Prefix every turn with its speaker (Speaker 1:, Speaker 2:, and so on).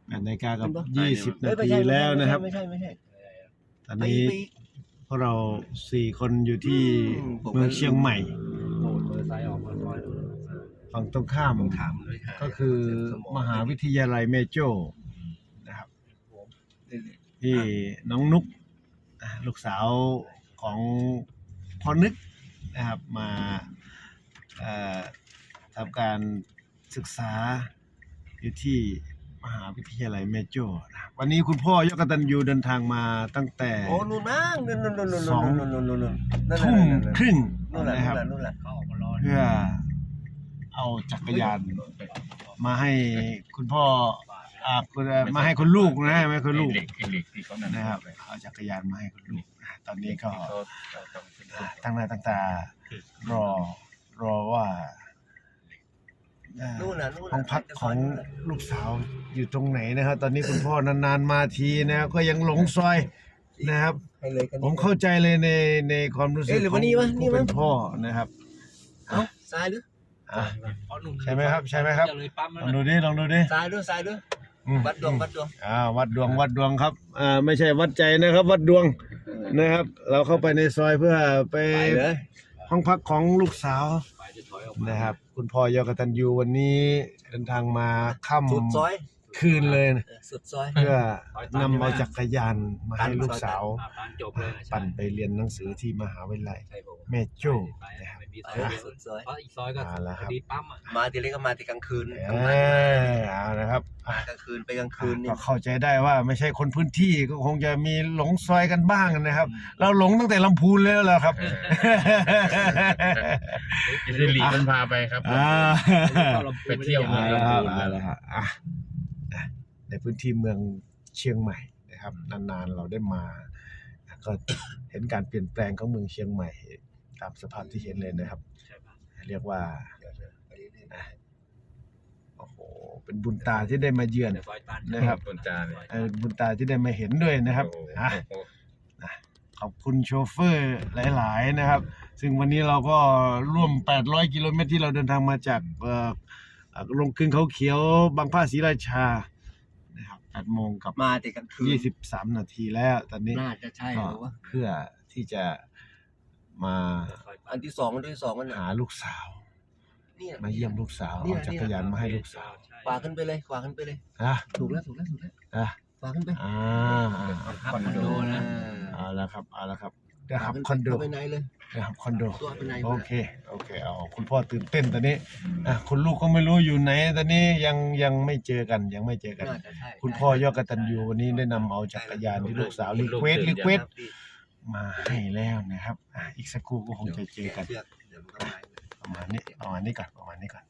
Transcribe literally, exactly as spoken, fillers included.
Speaker 1: แปดนาฬิกากับยี่สิบนาทีแล้วนะครับไม่ใช่ไม่ใช่ตอนนี้พวกเราสี่คนอยู่ที่เมืองเชียงใหม่ฝั่งตรงข้ามก็คือมหาวิทยาลัยแม่โจ้นะครับที่น้องนุกลูกสาวของพ่อนึกนะครับมาทำการศึกษาอยู่ที่มหาวิทยาลัยแม่โจ้นะครับวันนี้คุณพ่อยกตัญญูเดินทางมาตั้งแต่สองทุ่มครึ่งนะครับเพื่อเอาจักรยานมาให้คุณพ่ออ่ามาให้คุณลูกนะไม่คุณลูกนะครับเอาจักรยานมาให้คุณลูกตอนนี้ก็ตั้งหน้าตั้งตารอรอว่าห้องพักของลูกสาวอยู่ตรงไหนนะครับตอนนี้คุณพ่อนานๆมาทีนะครับก็ยังหลงซอยนะครับผมเข้าใจเลยในในความรู้สึกของผู้เป็นพ่อนะครับ
Speaker 2: เอ้าซ้ายหรือ
Speaker 1: ใช่ไหมครับใช่ไหมครับลองดูดิลองดูดิ
Speaker 2: ซ้ายด้วยซ้ายด้วยวัดดวงวัดดวง
Speaker 1: อ่าวัดดวงวัดดวงครับอ่าไม่ใช่วัดใจนะครับวัดดวงนะครับเราเข้าไปในซอยเพื่อไปห้องพักของลูกสาวนะครับคุณพ่อยกตัญญูวันนี้เดินทางมาค่ำคืนเลยเพื่อนำเอาจักรยานมาให้ลูกสาวปั่นไปเรียนหนังสือที่มหาวิทยาลัยแม่โจ้นะครับ
Speaker 2: สุดซอย
Speaker 3: อีกซอยก็ดีปั๊ม
Speaker 2: มาทีเล็กก็มาทีกลางคืน
Speaker 1: เออเอานะครับ
Speaker 2: กลางคืนไปกลางคืน
Speaker 1: ก็เข้าใจได้ว่าไม่ใช่คนพื้นที่ก็คงจะมีหลงซอยกันบ้างนะครับเราหลงตั้งแต่ลำพูนแล้วล่ะครับ
Speaker 3: จะหลีมันพาไปครับไปเที่ยวมา
Speaker 1: แล้วครับแล้วครับอ่ะในพื้นที่เมืองเชียงใหม่นะครับนานๆเราได้มาก็เห็นการเปลี่ยนแปลงของเมืองเชียงใหม่ตามสภาพที่เห็นเลยนะครับเรียกว่าโอ้โหเป็นบุญตาที่ได้มาเยือนนะครับ
Speaker 3: บุญตา
Speaker 1: บุญตาที่ได้มาเห็นด้วยนะครับขอบคุณโชเฟอร์หลายๆนะครับซึ่งวันนี้เราก็ร่วมแปดร้อยกิโลเมตรที่เราเดินทางมาจากลงกึ่งเขาเขียวบางพระศรีราชานะครับแปดโมงกับ
Speaker 2: มาแต่กลางคืน
Speaker 1: ยี่สิบสามนาทีแล้วตอนนี้
Speaker 2: น่าจะใช่หรือว่า
Speaker 1: เพื่อที่จะมา
Speaker 2: อันที่สองอันที่สองมัน
Speaker 1: หาลูกสาวมาเยี่ยมลูกสาวเอาจักรยานมาให้ลูกสาว
Speaker 2: ขวาขึ้นไปเลยขวาขึ้นไปเลย
Speaker 1: นะ
Speaker 2: ถูกแล้วถูกแล้วถูกแล้ว
Speaker 1: อ่ะ
Speaker 2: ขวาขึ้นไป
Speaker 1: อ่า
Speaker 3: คอนโดนะ
Speaker 1: เอาละครับเอาละครับเดี๋ยวครับคอนโด
Speaker 2: ไปไหนเลย
Speaker 1: เดี๋ยวครับคอนโดโอเคโอเคเอาคุณพ่อตื่นเต้นตอนนี้อ่ะคุณลูกก็ไม่รู้อยู่ไหนตอนนี้ยังยังไม่เจอกันยังไม่เจอกันคุณพ่อยกตัญญูวันนี้ได้นำเอาจักรยานที่ลูกสาวรีเควสรีเควสมาให้แล้วนะครับอ่ะอีกสักครู่ก็คงจะเจอกันประมาณนี้ประมาณนี้ก่อนประมาณนี้ก่อน